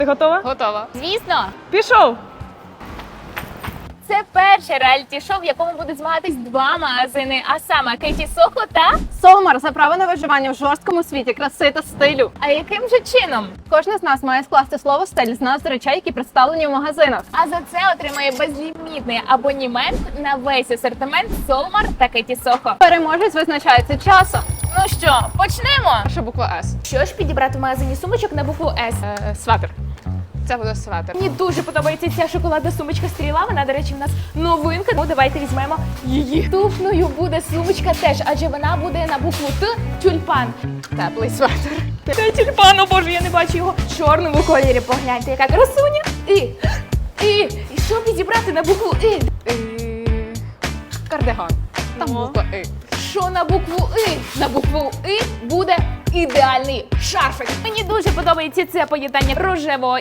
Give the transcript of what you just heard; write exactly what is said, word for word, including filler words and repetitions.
Ти готова? Готова. Звісно, Пішов! це перше реаліті-шоу, в якому будуть змагатись два магазини, а саме Кеті Сохо та... Солмар за право на виживання в жорсткому світі краси та стилю. А яким же чином? Кожен з нас має скласти слово стиль з назв речей, які представлені в магазинах. А за це отримає безлімітний абонімент на весь асортимент Солмар та Кеті Сохо. Переможець визначається часом. Ну що, почнемо? Що буква С? Що ж підібрати в магазині сумочок на букву С? Е, сватер. Це буде сватер. Мені дуже подобається ця шоколадна сумочка стріла. Вона, до речі, в нас новинка. Ну, давайте візьмемо її. Туфною буде сумочка теж, адже вона буде на букву Т тюльпан. Теплий сватер. Це тюльпан, о боже, я не бачу його в чорному кольорі. Погляньте, яка красуня. І, і, і що підібрати на букву І? Е, Кардиган. Там Ну. буква И. Що на букву І? На букву І буде ідеальний шарфик. Мені дуже подобається це поєднання рожевого